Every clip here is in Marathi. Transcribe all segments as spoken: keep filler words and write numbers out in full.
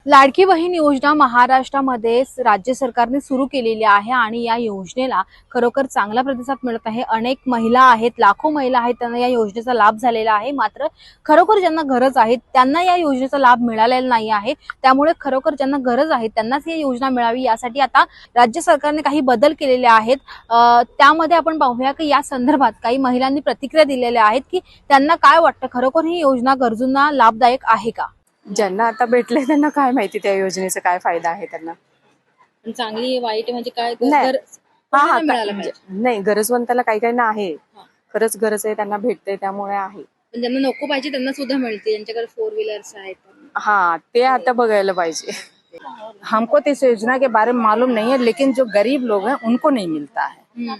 लाडकी बहीण योजना महाराष्ट्रामध्ये राज्य सरकारने सुरू केलेली आहे आणि या योजनेला खरोखर चांगला प्रतिसाद मिळत आहे। अनेक महिला आहेत, लाखो महिला आहेत, त्यांना या योजनेचा लाभ झालेला आहे। मात्र खरोखर ज्यांना गरज आहे त्यांना या योजनेचा लाभ मिळालेला नाही आहे। त्यामुळे खरोखर ज्यांना गरज आहे त्यांनाच ही योजना मिळावी यासाठी आता राज्य सरकारने काही बदल केलेले आहेत। त्यामध्ये आपण पाहूया की या संदर्भात काही महिलांनी प्रतिक्रिया दिलेल्या आहेत की त्यांना काय वाटतं, खरोखर ही योजना गरजूंना लाभदायक आहे का? ज्यांना आता भेटले त्यांना काय माहिती त्या योजनेचा काय फायदा आहे त्यांना। चांगली वाईट म्हणजे काय नाही हा हा मिळालं म्हणजे नाही, गरजवंताला काही काही ना आहे, खरंच गरज आहे त्यांना भेटते त्यामुळे आहे। पण ज्यांना नको पाहिजे त्यांना सुद्धा मिळते, ज्यांच्याकडे फोर व्हीलर्स आहेत। हाँ ते आता बघायला पाहिजे। हमको तो इस योजना के बारे में मालूम नहीं है, लेकिन जो गरीब लोग हैं उनको नहीं मिलता है।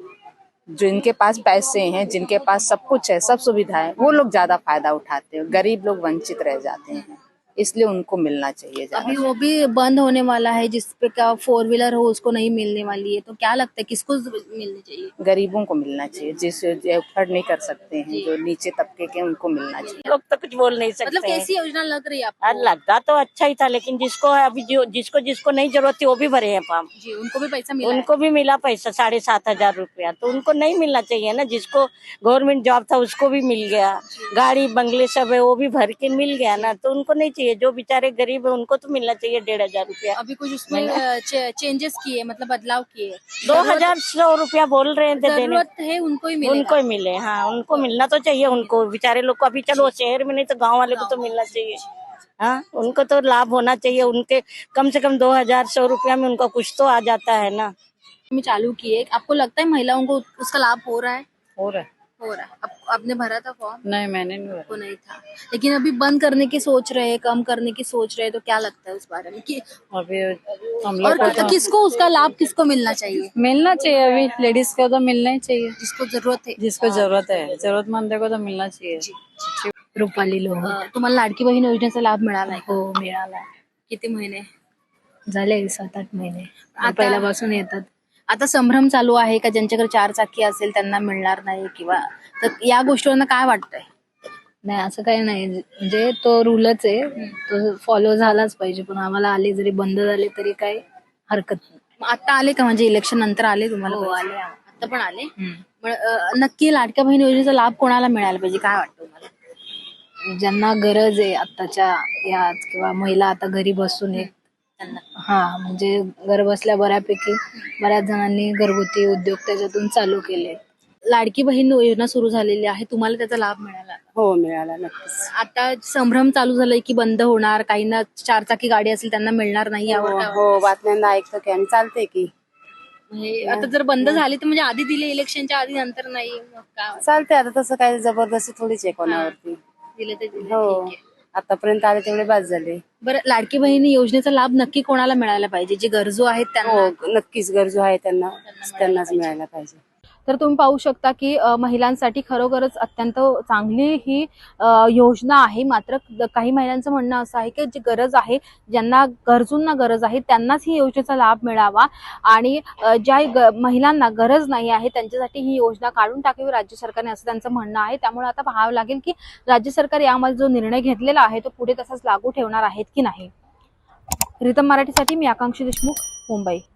जो इनके पास पैसे हैं, जिनके पास सब कुछ है, सब सुविधा है, वो लोग ज्यादा फायदा उठाते हैं। गरीब लोग वंचित रह जाते हैं, इसलिए उनको मिलना चाहिए। अभी वो भी बंद होने वाला है, जिसपे क्या फोर व्हीलर हो उसको नहीं मिलने वाली है, तो क्या लगता है किसको मिलनी चाहिए? गरीबों को मिलना चाहिए, जिस जो अफोर्ड नहीं कर सकते हैं, जो नीचे तबके के उनको मिलना चाहिए। लोग तो कुछ बोल नहीं सकते। मतलब कैसी योजना लग रही है आपको? यार लगता तो अच्छा ही था, लेकिन जिसको अभी जो जिसको जिसको नहीं जरूरत थी वो भी भरे हैं फॉर्म। जी, उनको भी पैसा मिला उनको भी मिला पैसा साढ़े सात हजार रुपया, तो उनको नहीं मिलना चाहिए ना। जिसको गवर्नमेंट जॉब था उसको भी मिल गया, गाड़ी बंगले सब है वो भी भर के मिल गया ना, तो उनको नहीं चाहिए। जो बेचारे गरीब है उनको तो मिलना चाहिए डेढ़ हजार रुपया। अभी कुछ उसमें चेंजेस किए, मतलब बदलाव किए। दो हजार सौ रुपया बोल रहे थे देने, जरूरत है उनको ही मिलेगा। उनको ही मिले। हाँ उनको मिलना तो चाहिए, उनको बेचारे लोग को। अभी चलो शहर में नहीं तो गाँव वाले को तो मिलना चाहिए। हाँ उनको तो लाभ होना चाहिए। उनके कम से कम दो हजार सौ रुपया में उनका कुछ तो आ जाता है ना। में चालू किए, आपको लगता है महिलाओं को उसका लाभ हो रहा है? हो रहा है। हो रहा है। आप, आपने भरा था फॉर्म? नहीं मैंने नहीं भरा। को नहीं था, लेकिन अभी बंद करने की सोच रहे हैं, कम करने की सोच रहे हैं, तो क्या लगता है उस बारे में कि अभी हम और लोग को कि, किसको उसका लाभ किसको मिलना चाहिए? मिलना चाहिए, अभी लेडीज को तो मिलना ही चाहिए, जिसको जरूरत है। जिसको जरूरत है, जरूरतमंद को तो मिलना चाहिए। रुपाली लोह अं, तुम्हाला लाडकी बहीण योजनेचा लाभ मिळाला आहे? हो मिळाला। किती महिने झाले सात आठ महिने आता- पहिल्यापासून येतात। आता संभ्रम चालू आहे का ज्यांच्याकडे चार चाकी असेल त्यांना मिळणार नाही, किंवा तर या गोष्टींना काय वाटतंय? नाही असं काही नाही, म्हणजे तो रूलच आहे, तो फॉलो झालाच पाहिजे। पण आम्हाला आले जरी बंद झाले तरी काही हरकत नाही। मग आता आले का, म्हणजे इलेक्शन नंतर आले तुम्हाला? हो, पैसे? आले. आता पण आले? मग अं, नक्की लाडक्या बहीण योजनेचा लाभ कोणाला मिळाला पाहिजे, काय वाटतं तुम्हाला? ज्यांना गरज आहे आताच्या यात, किंवा महिला आता घरी बसून आहे त्यांना हा, म्हणजे घर बसल्या बऱ्यापैकी बऱ्याच जणांनी घरगुती उद्योग त्याच्यातून चालू केले। लाडकी बहीण योजना सुरू झालेली आहे, तुम्हाला त्याचा लाभ मिळाला? हो मिळाला नक्कीच। आता संभ्रम चालू झालाय की बंद होणार, काहींना चारचाकी गाडी असेल त्यांना मिळणार नाही, यावर काय वाटतं? हो बातम्यांना ऐकतो की आणि चालते की म्हणजे आता जर बंद झाली तर म्हणजे आधी दिले इलेक्शनच्या आधी, नंतर नाही, मग काय चालते। आता तसं काही जबरदस्ती थोडीच आहे कोणावरती। दिले ते दिले, हो ठीक आहे। आतापर्यंत आले तेवढे बाद झाले। बरं, लाडकी बहिणी योजनेचा लाभ नक्की कोणाला मिळायला पाहिजे? जे गरजू आहेत त्यांना? हो नक्कीच गरजू आहे त्यांना, त्यांनाच मिळायला पाहिजे। तर तुम्ही पाहू शकता की अ, महिलांसाठी खरोखरच अत्यंत चांगली ही अ, योजना आहे। मात्र काही महिलांचं म्हणणं असं आहे की जी गरज आहे, ज्यांना गरजूंना गरज आहे त्यांनाच ही योजनेचा लाभ मिळावा, आणि अ, ज्या ग, महिलांना गरज नाही आहे त्यांच्यासाठी ही योजना काढून टाकावी राज्य सरकारने, असं त्यांचं म्हणणं आहे। त्यामुळे आता पाहावं लागेल की राज्य सरकार यामध्ये जो निर्णय घेतलेला आहे तो पुढे तसाच लागू ठेवणार आहेत की नाही। रितम मराठीसाठी मी आकांक्षी देशमुख, मुंबई।